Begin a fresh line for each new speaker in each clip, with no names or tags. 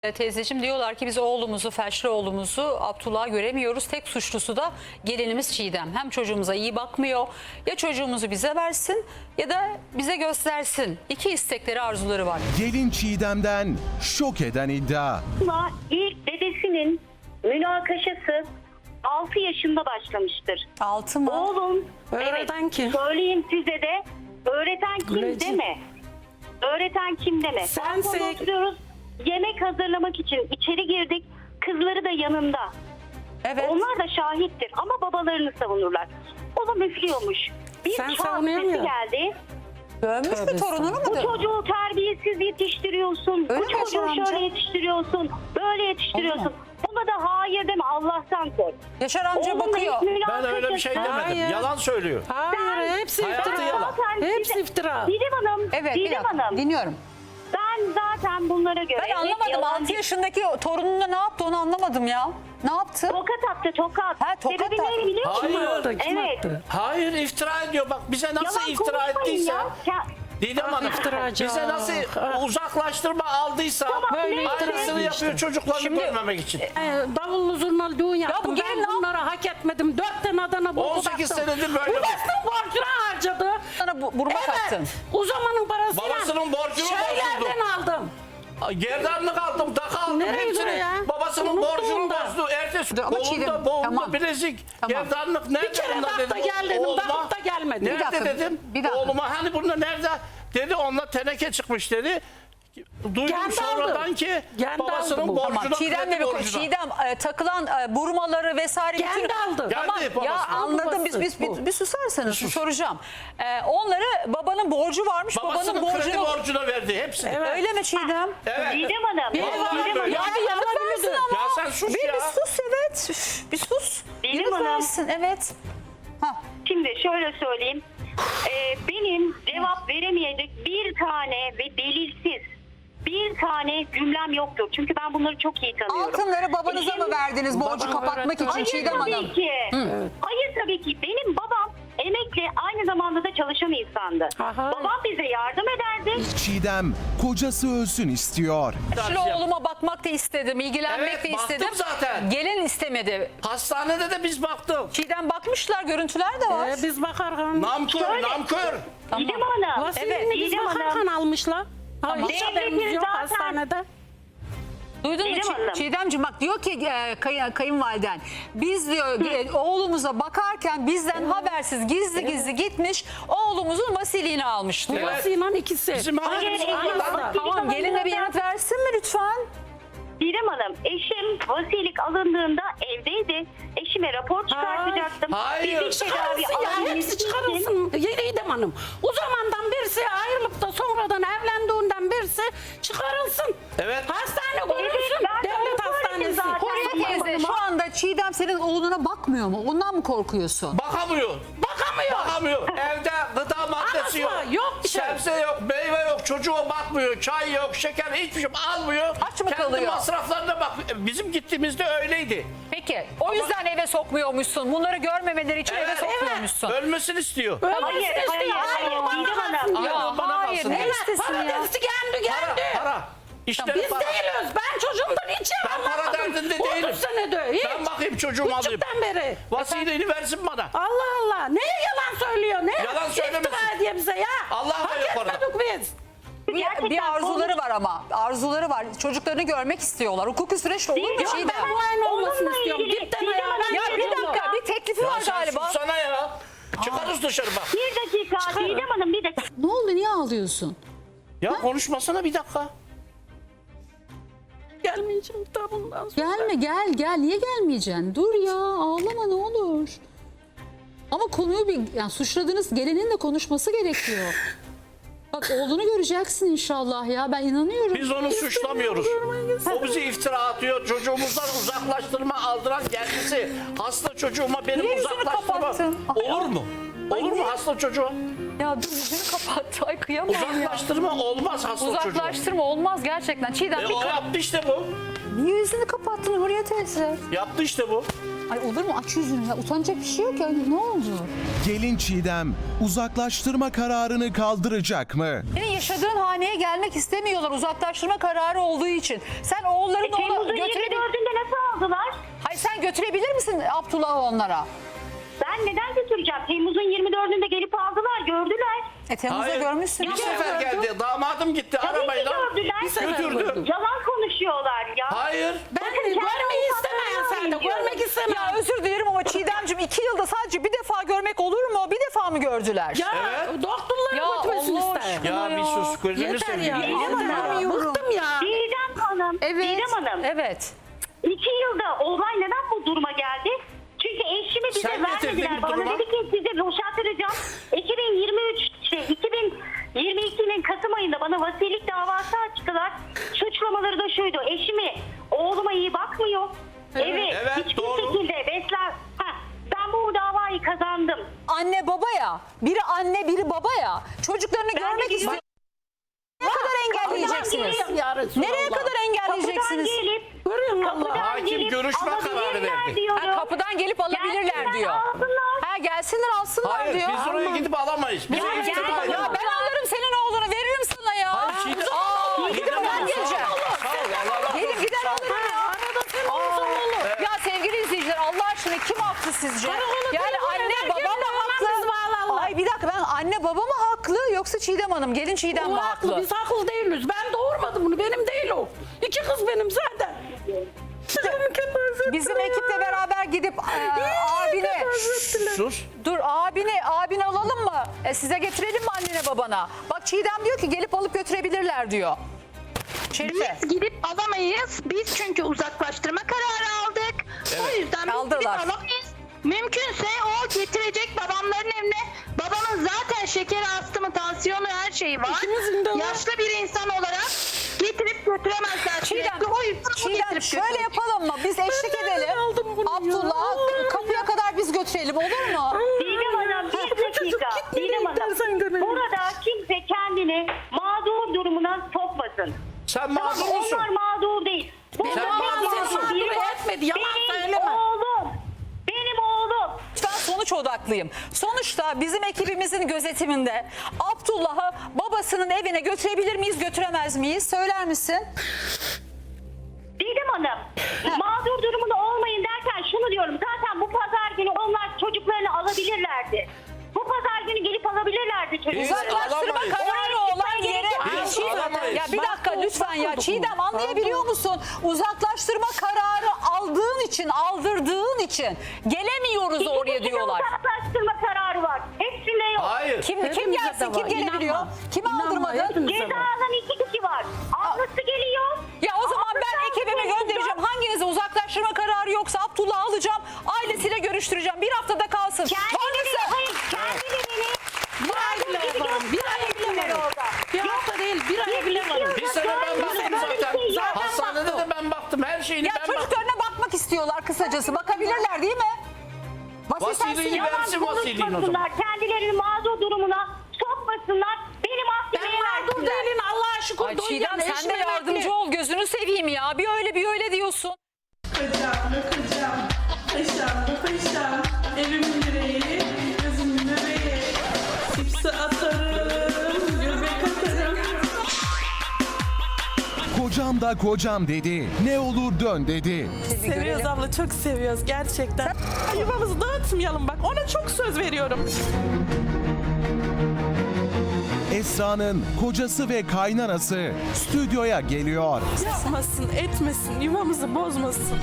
Teyzeciğim diyorlar ki biz oğlumuzu, felçli oğlumuzu Abdullah'ı göremiyoruz. Tek suçlusu da gelinimiz Çiğdem. Hem çocuğumuza iyi bakmıyor, ya çocuğumuzu bize versin ya da bize göstersin. İki istekleri, arzuları var.
Gelin Çiğdem'den şok eden iddia.
Ama ilk dedesinin münakaşası 6 yaşında başlamıştır.
6 mı?
Oğlum,
Öğreten kim?
söyleyeyim size de, öğreten kim
Güleci.
deme. Öğreten kim deme.
Sensin.
Balkonda oturuyoruz, yemek hazırlamak için içeri girdik. Kızları da yanında.
Evet.
Onlar da şahittir ama babalarını savunurlar. Oğlum üflüyormuş. Bir
Sen
çağ
savunuyor
sesi
musun?
geldi.
Dövmüş mü,
Tövbe
torununu mu
Bu
dövmüş?
çocuğu terbiyesiz yetiştiriyorsun.
Öyle
Bu
mi Yaşar
çocuğu
amca?
şöyle yetiştiriyorsun. Böyle yetiştiriyorsun.
Olma.
Buna da hayır deme, Allah'tan kork.
Yaşar amca
Oğlumla
bakıyor.
hiç
Ben öyle bir şey
münakaşası-
demedim.
Hayır.
Yalan söylüyor.
Hayır, hepsi
Hayatı
iftira.
yalan.
Zaten
Hepsi
size-
iftira.
Didem Hanım,
Evet, bir
Didem
dakika.
Hanım.
Dinliyorum.
Ben zaten bunlara göre...
Ben anlamadım.
yalan
6
değil.
yaşındaki torununa ne yaptı onu anlamadım ya. Ne yaptı?
Tokat attı, tokat.
Ha, tokat
Sebebi
attı.
ne biliyor musun?
Hayır.
Kim attı? Kim
Evet.
attı?
Hayır, iftira ediyor. Bak bize nasıl
Yalan
iftira
konuşmayın
ettiyse.
ya.
Didem Hanım
iftiracı.
bize nasıl
Ah.
uzaklaştırma aldıysa
Böyle
aynısını
iftiracı
yapıyor
işte.
çocuklarını
Şimdi-
görmemek için.
Davullu zurnalı düğün yaptım.
bu gelin ne
Ben bunları hak etmedim. 4 tane Adana bulgu
18
baktım.
senedir böyle.
Bu bastım borcuna harcadı.
Sana burma kattın.
Evet. O zamanın parasıyla.
Babasının borcunu
Şeylerden aldım.
Gerdanlık aldım, takı aldım
Nereye
hepsini.
gidiyor ya?
Babasının
Unuttum
borcunu
da.
bozdu. Ertesi
Dur, ama
kolunda,
Çiğdem,
boğumda,
tamam.
bilezik,
Tamam.
gerdanlık nerede
Bir kere
bunlar
bakta
dedim.
gel dedim.
Oğluma,
Bakıp da gelmedi.
nerede
dakika,
dedim.
bir dakika.
Oğluma hani burada nerede? Dedi onunla teneke çıkmış dedi. Duydum
Kendi
sonradan
aldı.
ki
Kendi
babasının
aldı bu.
borcuna,
Tamam. Çiğdem'le
kredi
bir
borcuna.
Çiğdem takılan burmaları vesaire.
Kendi aldı.
Tamam
Geldi
ya
babası.
anladım. Biz
Babası bu.
bir susarsanız soracağım. Onları babanın borcu varmış. Babanın
Babasının kredi
borcunu.
borcuna verdi hepsini.
Evet.
Öyle mi Çiğdem?
Evet.
Didem Hanım.
Bir
Vallahi
var,
böyle.
Ya bir yanıt versin ama.
Ya sen sus
Bir
ya.
sus evet. Üf, bir sus.
Benim
Yanıt
hanım.
versin evet. Ha.
Şimdi şöyle söyleyeyim. Benim cevap veremeyecek bir tane ve delilsiz bir tane cümlem yoktur. Çünkü ben bunları çok iyi tanıyorum.
Altınları babanıza mı verdiniz borcu
Babam
kapatmak
öğretti.
için
Hayır
Çiğdem
tabii
Hanım?
ki. Hayır tabii ki. Benim babam emekli, aynı zamanda da çalışan insandı.
Aha.
Babam bize yardım ederdi.
Çiğdem kocası ölsün istiyor.
Şimdi oğluma bakmak da istedim, ilgilenmek
Evet,
de
baktım
istedim.
zaten.
Gelin istemedi.
Hastanede de biz baktık.
Çiğdem bakmışlar, görüntüler de var.
Biz bakarken.
Namkör,
Şöyle-
namkör.
Didem Hanım.
Vasiyetini biz
Didem
bakarken
Hanım.
almışlar.
Tamam.
Hiç haberimiz yok
Zaten-
hastanede.
Duydun mu
Didem Hanım.
Çiğdemciğim bak diyor ki kayınvaliden biz diyor oğlumuza bakarken bizden habersiz gizli gizli gitmiş oğlumuzun vasiliğini almış diyor.
Evet.
Babasıyla ikisi.
Bizim haberimiz
Hayır,
yok lan.
hayır.
Tamam gelinle bir yanıt versin mi lütfen?
Didem Hanım, eşim vasilik alındığında evdeydi. Eşime rapor çıkartacaktım.
Hayır.
Fizik tedavi
Çıkarılsın ya,
alabilmesi
hepsi
için-
çıkarılsın. Yedidem Hanım. O zamandan birisi ayrılıp da sonradan evlendiğinden birisi çıkarılsın.
Evet.
Hastane
Evet,
görülsün.
ben de
Devlet
onu söyledim
hastanesi.
zaten.
Huriye teyze şu anda Çiğdem senin oğluna bakmıyor mu? Ondan mı korkuyorsun?
Bakamıyor.
Bakamıyor.
Bakamıyor. Evde gıda maddesi
Anası
yok.
var, yok bir şey.
Sebze yok, meyve yok, çocuğa bakmıyor, çay yok, şeker hiçbir şey almıyor.
Aç mı
Kendi
kalıyor?
masraflarına bak. Bizim gittiğimizde öyleydi.
Peki o yüzden eve sokmuyormuşsun. Bunları görmemeleri için eve
Evet,
sokmuyormuşsun.
Ölmesini istiyor.
Hayır,
Ölmesini
hayır,
istiyor.
hayır,
Aynı bana
Didem Hanım.
kalsın.
Aynen
Ya
bana
hayır
kalsın.
ne
Evet,
istesin ya?
Paradesi geldi
Para,
geldi.
para. İşte
Biz
para.
değiliz. Ben çocuğumdan hiç
Ben para
anlatmadım.
derdinde
30
değilim.
senedir. Hiç.
Ben bakayım çocuğumu alayım.
Küçükten beri.
Vasileyi versin bana.
Allah Allah. Neye yalan söylüyor? Neye
Yalan söylemesin.
iftira ediyor bize ya?
Allah da
Hak
yok orada.
etmedik biz.
Bir arzuları var ama. Arzuları var. Çocuklarını görmek istiyorlar. Hukuki süreç olur mu
Yok,
Çiğdem?
Ben bu aynı olmasını
Onunla
istiyorum.
ilgili
Dipten
Didem
ayağa.
Hanım,
Ya bir dakika bir teklifi var
Sen
galiba.
sussana ya. Çıkarız dışarı bak.
Bir dakika Didem Hanım, bir dakika.
Ne oldu niye ağlıyorsun?
Ya konuşmasana bir dakika.
Gelmeyeceğim daha bundan sonra.
Gelme gel niye gelmeyeceksin? Dur ya ağlama ne olur. Ama konuyu yani suçladığınız gelinin de konuşması gerekiyor. Bak oğlunu göreceksin inşallah ya ben inanıyorum.
Biz onu suçlamıyoruz. O bizi iftira atıyor. Çocuğumuzdan uzaklaştırma aldıran kendisi. Hasta çocuğuma benim
Niye yüzünü
uzaklaştırma.
kapattın?
Olur mu? Olur mu hasta çocuğa?
Ya dur yüzünü kapattı ay kıyamam ya.
Uzaklaştırma olmaz hasta çocuğa.
Uzaklaştırma olmaz gerçekten. Çiğdem
O yaptı işte bu.
niye yüzünü kapattın Huriye teyze?
Yaptı işte bu.
Ay olur mu? Aç yüzünü ya. Utanacak bir şey yok ya. Ne oldu?
Gelin Çiğdem uzaklaştırma kararını kaldıracak mı?
Senin yaşadığın haneye gelmek istemiyorlar uzaklaştırma kararı olduğu için. Sen oğullarını ona
Temmuz'un
götürebilir...
24'ünde nasıl aldılar?
Hayır sen götürebilir misin Abdullah'ı onlara?
Ben neden götüreceğim? Temmuz'un 24'ünde gelip aldılar, gördüler.
Temmuz'da
Hayır.
görmüşsün.
Bir sefer geldi. Damadım gitti
Tabii ki
arabayla.
gördüler.
Götürdü.
Yalan konuşuyorlar ya.
Hayır.
Ben
Bakın, kendi
görmeyi istemeyen sen de
avukatlarına
görmek
diyorum.
istemem.
Ya özür dilerim ama Çiğdemciğim 2 yılda sadece bir defa görmek olur mu? Bir defa mı gördüler?
Ya
Evet.
doktorlara
Ya
götürmesini
Allah
ister.
aşkına.
Ya bir sus gözünü
Yeter ya.
seveyim.
Yeter ya. Bıktım ya.
Didem Hanım, Didem Hanım.
Evet.
2 yılda olay neden bu duruma geldi? Çünkü eşimi bize
Sen getirdin
vermediler.
bu
Bana
duruma.
dedi ki size boşaltıracağım. 2022'nin Kasım ayında bana vasilik davası açtılar. Suçlamaları da şuydu. Eşimi oğluma iyi bakmıyor. Evet.
Evet,
Hiçbir
doğru.
şekilde besler. Ben bu davayı kazandım.
Anne baba ya. Biri anne biri baba ya. Çocuklarını
Ben de
görmek
biliyorum.
istiyor. Ne kadar engelleyeceksiniz? Nereye kadar engelleyeceksiniz?
Kapıdan gelip
Görüyorsun Allah.
Hakim görüşme kararı
alabilirler
verdi.
diyorum.
Ha, kapıdan gelip alabilirler
Gelsinler,
diyor.
alsınlar.
Ha gelsinler alsınlar
Hayır
diyor.
biz oraya gidip alamayız. Bize
Ya,
iftira
ya,
ediyor.
Ya ben alırım senin oğlunu veririm sana ya.
Hayır, Çiğdem-
Aa,
Çiğdem
gidip ben
Hanım,
geleceğim.
Sağ ol, Allah razı
Gelip
olsun.
gider alırım ya.
Arada sen olursan olur.
Ya sevgili izleyiciler Allah aşkına kim haklı sizce?
Karakola
Yani
telefon
anne
eder,
baba
gelin
mı
hemen
haklı?
bizi bağlarlar.
Ay bir dakika ben anne baba mı haklı yoksa Çiğdem Hanım gelin Çiğdem
O
mi
haklı.
haklı?
Biz haklı değiliz. Ben doğurmadım bunu. Benim değil o. 2 kız benim zaten.
Bizim ekiple beraber gidip abine
Sus.
dur abini alalım mı? Size getirelim mi annene babana? Bak Çiğdem diyor ki gelip alıp götürebilirler diyor. Şerife.
Biz gidip alamayız. Biz çünkü uzaklaştırma kararı aldık. O yüzden biz
Aldılar.
gidip alamayız. Mümkünse o getirecek babamların evine. Babamın zaten şekeri, astımı, tansiyonu her şeyi var.
İkimizin de var.
Yaşlı bir insan olarak getirip götüremezler.
Çiğdem,
sürekli. O yüzden o
Çiğdem
getirip
şöyle
götürecek.
yapalım mı? Biz eşlik edelim.
aldım bunu ya?
Abdullah'ı kapıya kadar biz götürelim olur mu?
Didem Hanım bir dakika. Didem
dersen
Hanım
görelim.
burada kimse kendini mağdur durumuna sokmasın.
Sen
Tamam,
mağdursun.
onlar mağdur değil. Burada
Sen
mağdur
mağdursun.
biri var.
Etmedi, yalan
Benim
söyleme.
oğlum. Benim oğlum.
Ben sonuç odaklıyım. Sonuçta bizim ekibimizin gözetiminde Abdullah'ı babasının evine götürebilir miyiz, götüremez miyiz? Söyler misin?
Didem Hanım mağdur durumunda olmayın derken şunu diyorum. Zaten bu pazar günü onlar çocuklarını alabilirlerdi. Bu pazar günü gelip alabilirlerdi çocuklarını.
Uzaklaştırma
alamayız.
kararı olan yere...
Biz
Çiğdem,
alamayız.
ya bir dakika lütfen ya.
Mahvolduk
Çiğdem
mu?
anlayabiliyor musun? Uzaklaştırma kararı aldığın için, aldırdığın için gelemiyoruz oraya
İkisinde
diyorlar.
uzaklaştırma kararı var. Hepsinde yok.
Hayır.
Kim
Hepimize
gelsin,
de
kim
var,
gelebiliyor?
inanma.
Kimi
İnanma,
aldırmadın?
hepimize
Ceza
var.
alan 2 kişi var. Ablası geliyor.
Ya o zaman
Ablası
ben ekibimi
geliyor.
göndereceğim. Hanginize uzaklaştırma kararı yoksa Abdullah'ı alacağım. Ailesiyle görüştüreceğim. Bir haftada kalsın.
Kendileri,
Varsa-
hayır kendilerini
Bir ay bile
gibi
varım. Bir ay bile
gösterdiler
varım.
orada.
Bir hafta değil, bir ay bile varım.
Bir sene ben baktım zaten. Hastanede de ben baktım. Her şeyini
Ya
ben baktım.
çocuklarına bakmak istiyorlar kısacası. Bakabilirler değil mi?
Vasiliğini
Yalan
versin vasiliğini o zaman.
konuşmasınlar. Kendilerini mağdur durumuna sokmasınlar. Beni
Ben
mahkemeye
mağdur
versinler.
değilim. Allah'a şükür.
Ay
doyuyorum.
Çiğdem sen de
Eşim
yardımcı
emekli.
ol. Gözünü seveyim ya. Bir öyle bir öyle diyorsun.
Kocam, paşam, evimin direği, gözümün bebeği, sipsi atarım, göbek atarım.
Kocam da kocam dedi. Ne olur dön dedi.
Seviyoruz abla, çok seviyoruz gerçekten. Yuvamızı dağıtmayalım bak, ona çok söz veriyorum.
Esra'nın kocası ve kaynanası stüdyoya geliyor.
Yapmasın, etmesin, yuvamızı bozmasın.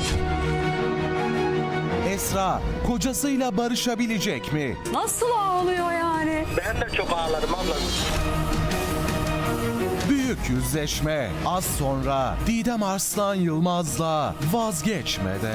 Esra kocasıyla barışabilecek mi?
Nasıl ağlıyor yani?
Ben de çok ağladım abla.
Büyük yüzleşme az sonra Didem Arslan Yılmaz'la Vazgeçmede.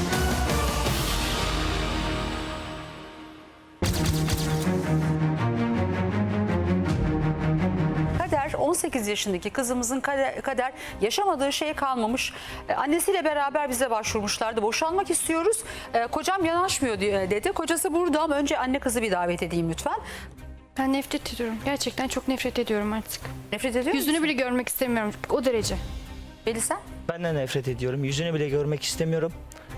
Kader 18 yaşındaki kızımızın kader yaşamadığı şey kalmamış. Annesiyle beraber bize başvurmuşlardı. Boşanmak istiyoruz. Kocam yanaşmıyor dedi. Kocası burada ama önce anne kızı bir davet edeyim lütfen.
Ben nefret ediyorum. Gerçekten çok nefret ediyorum artık.
Nefret ediyor musun?
Yüzünü bile görmek istemiyorum. O derece.
Veli sen?
Ben de nefret ediyorum. Yüzünü bile görmek istemiyorum.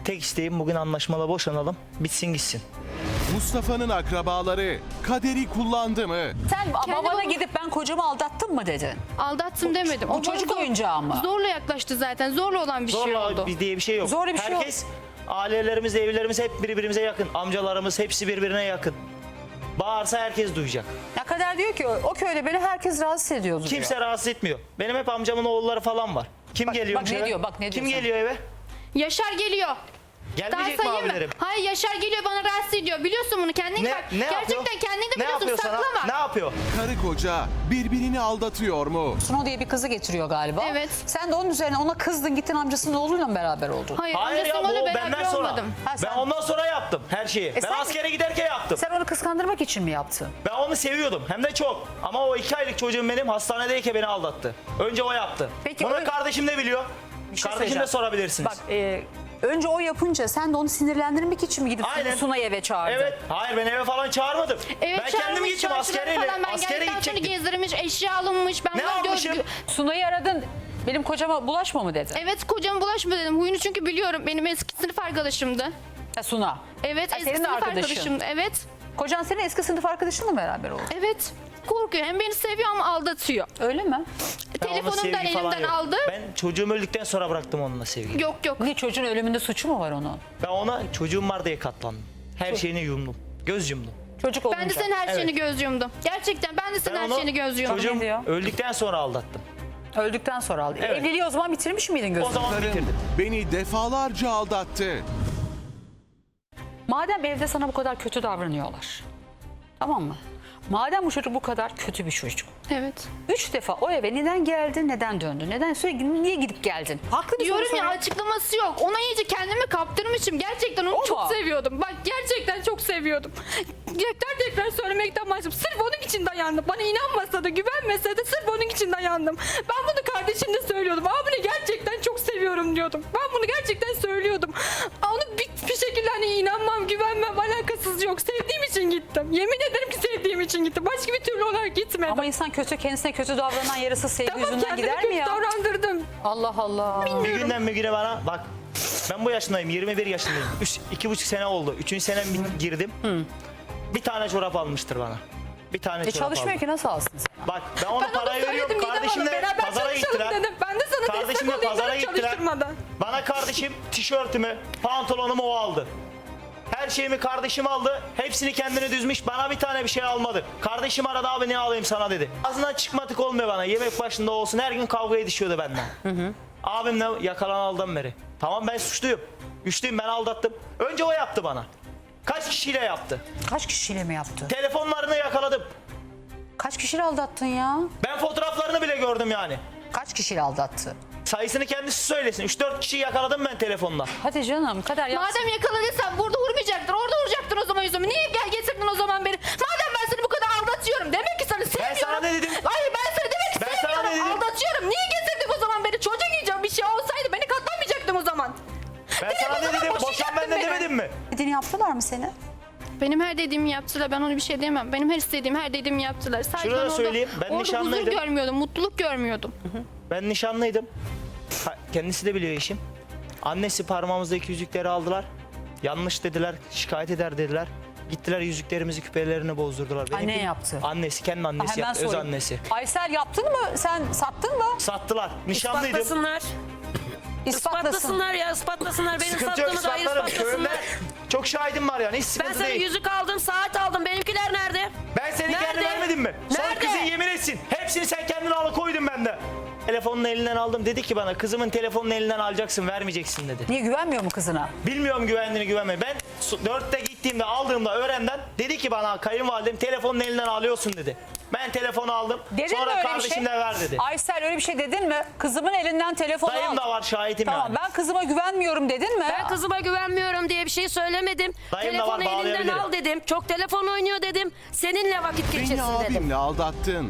tek isteğim bugün anlaşmalı boşanalım. Bitsin gitsin.
Mustafa'nın akrabaları kaderi kullandı mı?
Sen babana
babam-
gidip ben kocamı aldattım mı dedin?
Aldattım demedim.
Bu çocuk
bana
oyuncağı mı?
Zorla yaklaştı zaten. Zorla olan bir şey
Zorla
oldu.
diye bir şey yok.
Zorla bir şey yok.
Herkes, ailelerimiz, evlerimiz hep birbirimize yakın. Amcalarımız hepsi birbirine yakın. Bağırsa herkes duyacak.
Ya Kader diyor ki o köyde beni herkes rahatsız ediyordu diyor.
Kimse rahatsız etmiyor. Benim hep amcamın oğulları falan var. Kim geliyor
bak ne
eve?
diyor, bak ne diyor
Kim
sana.
geliyor eve?
Yaşar geliyor. Daha
Gelmeyecek mi
sayayım mı?
abilerim?
Hayır, Yaşar geliyor, bana rahatsız ediyor. Biliyorsun bunu, kendin bak.
Ne yapıyor?
Gerçekten kendin de
Ne
biliyorsun,
yapıyor sana?
saklama.
Ne yapıyor?
Karı koca birbirini aldatıyor mu?
Sunu diye bir kızı getiriyor galiba.
Evet.
Sen de onun üzerine ona kızdın, gittin amcasının oğluyla mı beraber oldun?
Hayır,
Hayır ya,
amcasıyla
bu
beraber
benden sonra.
olmadım.
Ha, sen-
Ben ondan sonra yaptım her şeyi. Ben
sen-
askere giderken yaptım.
Sen onu kıskandırmak için mi yaptın?
Ben onu seviyordum. Hem de çok. Ama o 2 aylık çocuğum benim hastanedeyken beni aldattı. Önce o yaptı.
Peki,
Bunu
öyle-
kardeşim de biliyor.
Bir şey
Kardeşim de
söyleyeceğim.
sorabilirsiniz.
Bak önce o yapınca sen de onu sinirlendirmek için mi gidip
Aynen.
Sunay'ı eve çağırdın?
Evet. Hayır, ben eve falan çağırmadım.
Evet,
ben kendim
çağırmış,
gittim
çarşılara
askereyle.
falan. Ben
Askere
geldikten sonra
gidecektim.
gezdirmiş, eşya alınmış. Ben
Ne
buna
almışım?
Sunay'ı aradın. Benim kocama bulaşma mı dedin?
Evet, kocama bulaşma dedim. Huyunu çünkü biliyorum. Benim eski sınıf arkadaşımdı.
Ha, Suna.
Evet,
Ha,
eski
senin de
sınıf
arkadaşın.
arkadaşımdı. Evet.
Kocan senin eski sınıf arkadaşınla mı beraber oldu?
Evet. Korkuyor. Hem beni seviyor ama aldatıyor.
Öyle mi?
Ben onunla
Telefonumdan
sevgi falan
elimden
yok.
aldı.
Ben çocuğum öldükten sonra bıraktım onunla sevgiyi.
Yok yok.
Niye, çocuğun ölümünde suçu mu var onun?
Ben ona çocuğum var diye katlandım. Her şeyini yumdum. Göz yumdum.
Çocuk olunca.
Ben de senin her şeyini
Evet.
göz yumdum. Gerçekten ben de senin
Ben
her
onu
şeyini göz yumdum.
çocuğum
Ne diyor?
öldükten sonra aldattım.
Öldükten sonra aldı.
Evet.
Evliliği o zaman bitirmiş miydin gözünü?
O zaman
Karım
bitirdim.
beni defalarca aldattı.
Madem evde sana bu kadar kötü davranıyorlar. Tamam mı? Madem bu çocuk bu kadar kötü bir çocuk.
Evet.
3 defa o eve neden geldin, neden döndün? Neden sürekli niye gidip geldin? Haklı bir soru
Diyorum ya,
soruyorum.
açıklaması yok. Ona iyice kendimi kaptırmışım. Gerçekten onu
O
çok
mu?
seviyordum. Bak, gerçekten çok seviyordum. Tekrar söylemekten başladım. Sırf onun için dayandım. Bana inanmasa da, güvenmese de sırf onun için dayandım. Ben bunu kardeşimle söylüyordum. Abini gerçekten çok seviyorum diyordum. Ben bunu gerçekten söylüyordum. Onu bir şekilde hani inanmam, güvenmem, alakasız yok. Sevdiğim için gittim. Yemin ederim ki sevdiğim için gittim. Başka bir türlü olarak gitmedim.
Ama insan kendisine kötü davranan yarısı sevgi
Tamam,
yüzünden
kendimi
gider mi
kötü
ya?
davrandırdım.
Allah Allah.
Bir günden bir güne bana bak, ben bu yaşındayım, 21 yaşındayım. 2,5 sene oldu. 3. senem girdim. Bir tane çorap almıştır bana. Bir tane çorap
Çalışmıyor
aldı.
ki, nasıl alsın sen?
Bak, ben ona
Ben onu
parayı veriyorum.
söyledim Didem
Kardeşimle
Hanım, beraber
pazara
çalışalım
gittiler.
dedim. Ben de sana
Kardeşimle
destek olayım
pazara
dedim,
gittiler.
çalıştırmadan.
Bana kardeşim tişörtümü, pantolonumu o aldı. Her şeyimi kardeşim aldı. Hepsini kendine düzmüş. Bana bir tane bir şey almadı. Kardeşim aradı, abi ne alayım sana dedi. Ağzından çıkmadık olmuyor bana. Yemek başında olsun. Her gün kavga edişiyordu benden. Abimle yakalanalıdan beri. Tamam, ben suçluyum. Güçlüyüm, ben aldattım. Önce o yaptı bana. Kaç kişiyle yaptı?
Kaç kişiyle mi yaptı?
Telefonlarını yakaladım.
Kaç kişiyle aldattın ya?
Ben fotoğraflarını bile gördüm yani.
Kaç kişiyle aldattı?
Sayısını kendisi söylesin. 3-4 kişiyi yakaladım ben telefonla.
Hadi canım, Kader yapsın.
Madem yakaladıysan burada vurmayacaktın. Orada vuracaktın o zaman yüzümü. Niye gel getirdin o zaman beni? Madem ben seni bu kadar aldatıyorum. Demek ki seni sevmiyorum.
sana ne dedim?
Hayır, ben seni demek ki
Ben sana
sevmiyorum.
ne dedim?
Aldatıyorum. Niye getirdin o zaman beni? Çocuk yiyeceğim, bir şey olsaydı beni katlanmayacaktın o zaman.
Ben sana ne dedim? Boşan benden demedim mi?
Dediğini yaptılar mı seni?
Benim her dediğimi yaptılar. Ben ona bir şey diyemem. Benim her istediğim, her dediğimi yaptılar. Sadece
Şunu da
ben
söyleyeyim, ben
orada huzur
nişanlıydım.
görmüyordum, mutluluk görmüyordum.
Ben nişanlıydım. Kendisi de biliyor eşim. Annesi parmağımızdaki yüzükleri aldılar. Yanlış dediler, şikayet eder dediler. Gittiler, yüzüklerimizi, küpelerini bozdurdular.
Anne yaptı.
Annesi, kendi annesi
Hemen
yaptı, öz
sorayım.
annesi.
Aysel, yaptın mı? Sen sattın mı?
Sattılar. Nişanlıydım.
İspatlasınlar.
İspatlasın.
İspatlasınlar ya, ispatlasınlar. Benim
Sıkıntı yok,
sattığımı dair
ispatlarım.
ispatlasınlar.
Köyümde çok şahidim var yani, hiç
Ben
sıkıntı
sana
değil.
yüzük aldım, saat aldım. Benimkiler nerede?
Ben seni kendi
Nerede?
vermedim mi? Son
Nerede?
kızın yemin etsin. Hepsini sen kendine alıkoydun bende. Telefonunu elinden aldım. Dedi ki bana, kızımın telefonunu elinden alacaksın, vermeyeceksin dedi.
Niye, güvenmiyor mu kızına?
Bilmiyorum güvendiğini güvenmeyi. Ben 4'te gittiğimde, aldığımda öğrenden dedi ki bana, kayınvalidem telefonunu elinden alıyorsun dedi. Ben telefonu aldım.
Dedin mi
Sonra
öyle bir
kardeşim
şey?
de ver dedi.
Aysel, öyle bir şey dedin mi? Kızımın elinden telefonu al.
Dayım da var, şahitim
Tamam,
yani.
ben kızıma güvenmiyorum dedin mi?
Ben kızıma güvenmiyorum diye bir şey söylemedim.
Dayım da var,
Telefonu elinden
bağlayabilirim.
al dedim. Çok telefon oynuyor dedim. Seninle vakit
Beni
geçirsin dedim.
abimle aldattın.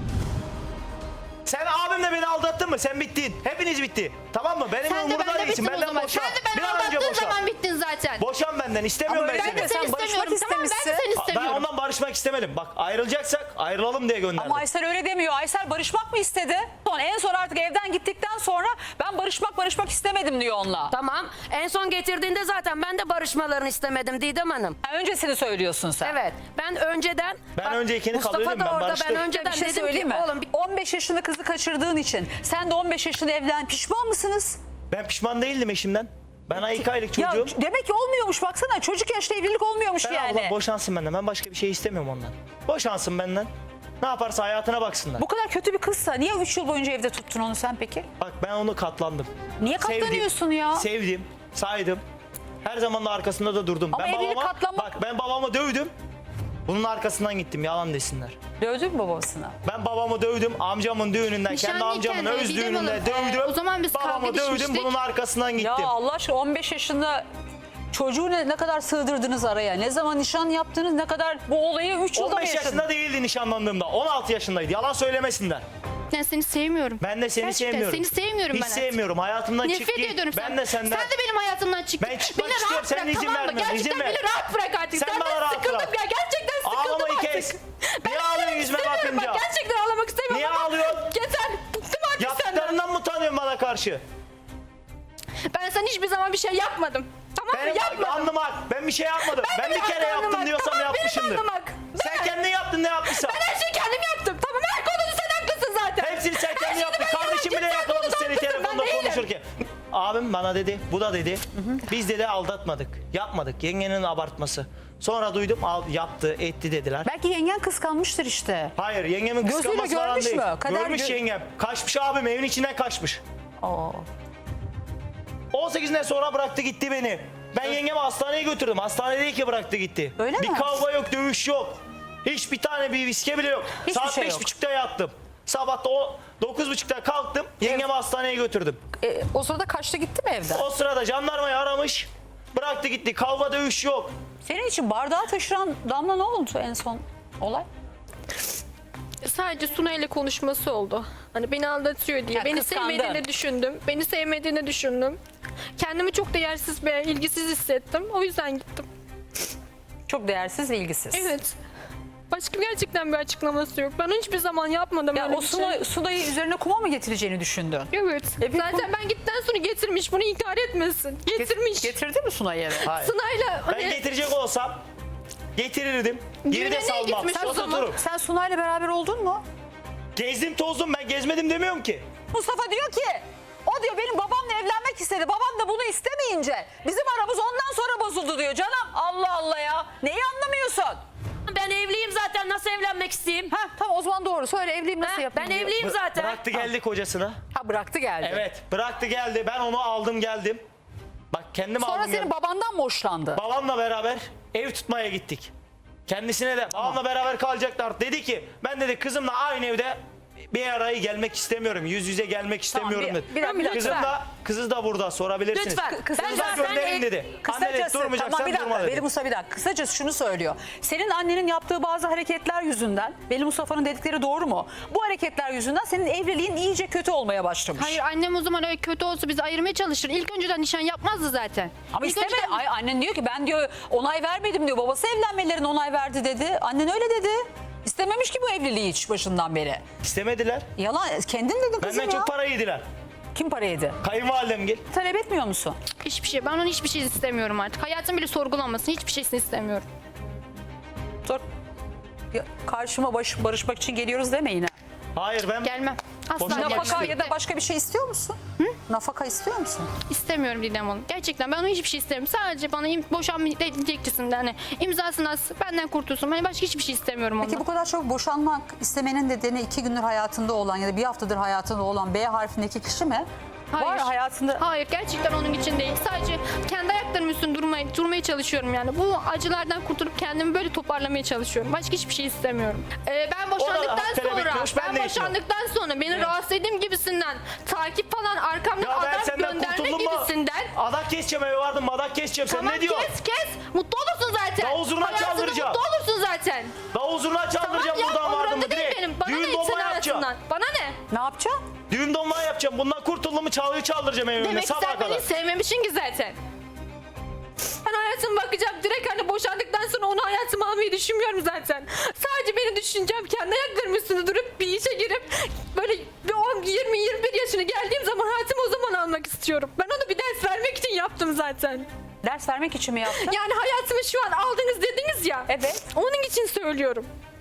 Sen abimle beni aldattın mı? Sen bittin. Hepiniz bitti. Tamam mı? Benim
Sen de
umurumda
bende
değilsin.
bittin o
Benden
zaman.
boşan.
Sen de ben
Bir an önce
aldattığın
boşan.
zaman bittin zaten.
Boşan benden. İstemiyorum
Ama
ben
öyle
seni.
mi?
Ben de seni
Sen barışmak
istemiyorum, tamam mı? Ben de
istemişsin.
seni
Ben
istemiyorum.
ondan barışmak barışmak istemedim. Bak ayrılacaksak ayrılalım diye gönderdim.
Ama Aysel öyle demiyor. Aysel barışmak mı istedi? En son artık evden gittikten sonra ben barışmak istemedim diyor onunla.
Tamam. En son getirdiğinde zaten ben de barışmalarını istemedim Didem Hanım.
Ha, öncesini söylüyorsun sen.
Evet. Ben önceden...
Ben
bak,
öncekini
Mustafa
kabul
da
ediyorum, ben
orada,
barıştım.
ben
Bir
önceden
Bir şey
dedim
söyleyeyim
ki
mi?
oğlum
15 yaşında kızı kaçırdığın için sen de 15 yaşında evlen pişman mısınız?
Ben pişman değildim eşimden. Ben 2 aylık
Ya
çocuğum.
demek ki olmuyormuş baksana. Çocuk yaşta evlilik olmuyormuş
Ben
yani.
abla boşansın benden. Ben başka bir şey istemiyorum ondan. Boşansın benden. Ne yaparsa hayatına baksınlar.
Bu kadar kötü bir kızsa niye 3 yıl boyunca evde tuttun onu sen peki?
Bak ben onu katlandım.
Niye katlanıyorsun ya?
Sevdim, saydım. Her zaman da arkasında da durdum.
Ama evlilik katlanmak-
Bak ben babamı dövdüm. Bunun arkasından gittim, yalan desinler.
Dövdün mü babasına?
Ben babamı dövdüm, amcamın düğününden, kendi
Nişanlıyken
amcamın
de
öz
Didem
düğününde
Hanım,
dövdüm.
o zaman biz
babamı
kavga
dövdüm,
düşmüştük.
bunun arkasından gittim.
Ya Allah aşkına 15 yaşında çocuğu ne kadar sığdırdınız araya? Ne zaman nişan yaptınız? Ne kadar bu olayı 3 yılda mı
15
yaşadınız?
yaşında değildi nişanlandığımda, 16 yaşındaydı. Yalan söylemesinler.
Ben seni sevmiyorum.
Ben de seni
Gerçekten
sevmiyorum.
seni sevmiyorum
Hiç
ben.
sevmiyorum. Hayatımdan çık
Nefret
git.
ediyorum
Ben
sen.
de senden.
Sen de benim hayatımdan çık.
Ben çıkmak
Beni
istiyorum,
rahat
senin
bırak,
izin
tamam mı?
vermiyorsun, izin
Gerçekten
ver.
beni rahat bırak artık.
Sen
Senden
bana rahat
sıkıldım
bırak.
ya. Gerçekten sıkıldım
Ağlamayı
artık.
kes.
Ben
Niye ağlıyorsun yüzüme
istemiyorum
bakınca?
Bak, gerçekten ağlamak istemiyorum
Niye
ama
ağlıyorsun?
Yeter. Bıktım artık senden.
Yaptıklarından mı utanıyorsun bana karşı?
Ben sana hiçbir zaman bir şey yapmadım. Tamam mı?
Benim
Yapmadım.
alnım hak. Ben bir şey yapmadım. Ben bir kere
alnım
yaptım
hak.
diyorsam
Tamam, benim
yapmışımdır.
alnım hak.
Sen kendin yaptın ne yapmışsan.
Ben her şeyi kendim yaptım. Tamam, her konuda sen haklısın zaten.
Hepsini sen
Her
kendin
şeyi
yaptın.
ben
Kardeşim bile
yaptım, sen
yakalamış
konuda
seni
haklısın,
telefonda
ben değilim.
konuşurken. Abim bana dedi, bu da dedi. Biz dedi aldatmadık. Yapmadık. Yengenin abartması. Sonra duydum yaptı, etti dediler.
Belki yengen kıskanmıştır işte.
Hayır yengemin
Gözüyle
kıskanması falan
görmüş
değil.
mü? Kader
Görmüş
gö-
yengem. Kaçmış abim evin içinden kaçmış.
Oo.
18'den sonra bıraktı gitti beni. Ben yengemi hastaneye götürdüm. Hastanede değil ki bıraktı gitti.
Öyle
bir
mi?
kavga yok, dövüş yok. Hiçbir tane bir viske bile yok.
Hiçbir
Saat
şey yok.
5.30'da yattım. Sabah da 9.30'da kalktım. Yengemi hastaneye götürdüm.
O sırada kaçtı gitti mi evden?
O sırada jandarmayı aramış. Bıraktı gitti. Kavga dövüş yok.
Senin için bardağı taşıran Damla ne oldu en son olay?
Sadece Suna ile konuşması oldu. Hani beni aldatıyor diye.
Ya
Beni
kıskandın.
sevmediğini düşündüm. Beni sevmediğini düşündüm. Kendimi çok değersiz ve ilgisiz hissettim. O yüzden gittim.
Çok değersiz ve ilgisiz.
Evet. Başka gerçekten bir açıklaması yok. Ben hiçbir zaman yapmadım
Ya
öyle
o
bir şey.
Sunay'ı üzerine kuma mı getireceğini düşündün?
Evet.
bir
Zaten ben gittikten sonra getirmiş. Bunu inkar etmesin. Getirmiş.
Getirdi mi Sunay'ı eve?
Hayır.
Sınayla
Ben
hani
getirecek olsam getirirdim. Geri
Düğüne
de
niye
salmam.
gitmiş o zaman?
Otururum.
Sen Sunay'la beraber oldun mu?
Gezdim tozdum, ben gezmedim demiyorum ki.
Mustafa diyor ki o diyor benim babamla evlenmek istedi. Babam da bunu istemeyince bizim aramız ondan sonra bozuldu diyor. Canım Allah Allah ya. Neyi anlamıyorsun?
Ben evliyim zaten, nasıl evlenmek isteyeyim?
Ha tamam o zaman doğru. Söyle evliyim nasıl
Ha,
yapayım
ben
diyor.
evliyim zaten.
Bıraktı geldi kocasına.
Ha bıraktı geldi.
Evet bıraktı geldi. Ben onu aldım geldim. Bak kendim
Sonra
aldım
senin
geldim.
babandan mı hoşlandı?
Babamla beraber ev tutmaya gittik. Kendisine de babamla beraber kalacaklar. Dedi ki ben dedi kızımla aynı evde bir araya gelmek istemiyorum. Yüz yüze gelmek istemiyorum
bir-
dedi.
bir dakika,
Kızı da burada sorabilirsiniz.
Lütfen.
Kızı
Ben
Kızı da
zaten
gönderin dedi. Anne dedi durmayacaksan
tamam bir dakika
durma dedi.
Veli Musa bir dakika. Kısacası şunu söylüyor. Senin annenin yaptığı bazı hareketler yüzünden Veli Mustafa'nın dedikleri doğru mu? Bu hareketler yüzünden senin evliliğin iyice kötü olmaya başlamış.
Hayır, annem o zaman öyle kötü olsa bizi ayırmaya çalışır. İlk önceden nişan yapmazdı zaten.
Ama
İlk
isteme.
önceden-
Ay, annen diyor ki ben diyor onay vermedim diyor. Babası evlenmelerine onay verdi dedi. Annen öyle dedi. İstememiş ki bu evliliği hiç başından beri.
İstemediler.
Yalan kendin dedin kızım
Benden
ya.
çok para yediler.
Kim para yedi?
Kayınvalidem gel.
Talep etmiyor musun?
Hiçbir şey. Ben onun hiçbir şey istemiyorum artık. Hayatım bile sorgulanmasın. Hiçbir şeysini istemiyorum.
Sor. Ya, karşıma barışmak için geliyoruz deme yine.
Hayır ben
Gelmem. Asla
Boşanmak
gelmem.
Nafaka ya da başka bir şey istiyor musun? Nafaka istiyor musun?
İstemiyorum Didem Hanım. Gerçekten ben onun hiçbir şey istemiyorum. Sadece bana boşanma dilekçesinde hani imzasını atsın, benden kurtulsun. Ben başka hiçbir şey istemiyorum ondan.
Peki bu kadar çok boşanmak istemenin nedeni 2 gündür hayatında olan ya da bir haftadır hayatında olan B harfindeki kişi mi? Var hayatında.
Hayır, gerçekten onun için değil. Sadece kendi ayaklarım üstünde durmaya çalışıyorum yani. Bu acılardan kurtulup kendimi böyle toparlamaya çalışıyorum. Başka hiçbir şey istemiyorum. Ben boşandıktan
hak talep
sonra,
etmiş, ben de
boşandıktan sonra beni rahatsız edeyim gibisinden, takip falan arkamdan
Ya ben
adam
senden
gönderme
kurtuldum mu?
gibisinden.
Adak keseceğim eve vardım adak keseceğim. Sen
Tamam,
ne diyorsun?
kes. Mutlu olursun zaten.
Davul zurna
Hayatında
çaldıracağım.
mutlu olursun zaten.
Davul zurna çaldıracağım
Tamam ya,
buradan vardım mı
umurumda değil
direkt.
benim. Bana
Düğün
ne senin
dolma yapacağım.
hayatından? Bana ne?
Ne yapacaksın?
Düğün dolma yapacağım. Bundan kurtuldum mu çalgıyı çaldıracağım evimde
Demek ki
sabaha
sen beni
kadar.
sevmemişsin ki zaten. Ben
hayatıma bakacağım. Direkt hani boşandıktan sonra onu hayatıma almayı düşünmüyorum zaten. Sadece beni düşüneceğim. Kendi ayaklarım üstünde durup bir işe girip böyle bir 20-21 yaşına geldiğim zaman hayatımı o zaman almak istiyorum. Ben onu bir ders vermek için yaptım zaten.
Ders vermek için mi yaptın?
Yani hayatımı şu an aldınız dediniz ya.
Evet.
Onun için söylüyorum.